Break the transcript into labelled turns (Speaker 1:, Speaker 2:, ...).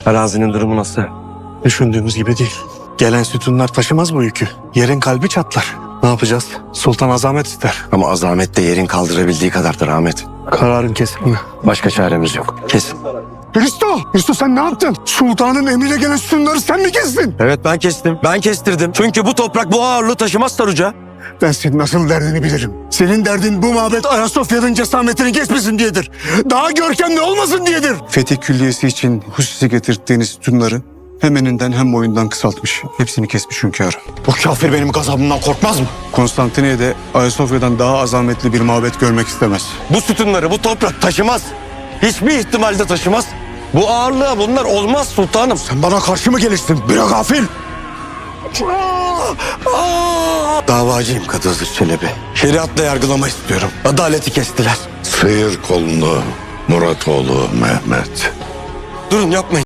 Speaker 1: Arazinin durumu nasıl?
Speaker 2: Düşündüğümüz gibi değil. Gelen sütunlar taşımaz bu yükü. Yerin kalbi çatlar. Ne yapacağız? Sultan azamet ister.
Speaker 1: Ama azamet de yerin kaldırabildiği kadardır Ahmet.
Speaker 2: Kararın kesin mi?
Speaker 1: Başka çaremiz yok. Kesin.
Speaker 2: Hristo sen ne yaptın? Sultanın emriyle gelen sütunları sen mi kestin?
Speaker 1: Evet ben kestim. Ben kestirdim. Çünkü bu toprak bu ağırlığı taşımaz Saruca.
Speaker 2: Ben senin asıl derdini bilirim. Senin derdin bu mabet Ayasofya'nın cesametini kesmesin diyedir. Daha görkemli olmasın diyedir. Fetih Külliyesi için hususi getirttiğiniz sütunları hem eninden hem boyundan kısaltmış. Hepsini kesmiş hünkârım.
Speaker 1: Bu kafir benim gazabımdan korkmaz mı?
Speaker 2: Konstantiniye'de Ayasofya'dan daha azametli bir mabet görmek istemez.
Speaker 1: Bu sütunları bu toprak taşımaz. Hiçbir ihtimalde taşımaz. Bu ağırlığa bunlar olmaz sultanım.
Speaker 2: Sen bana karşı mı gelirsin? Bir gafil!
Speaker 1: Davacıyım Kadı Hızır Çelebi. Şeriatla yargılama istiyorum. Adaleti kestiler.
Speaker 3: Sıyır kolunu Muratoğlu Mehmet.
Speaker 1: Durun yapmayın.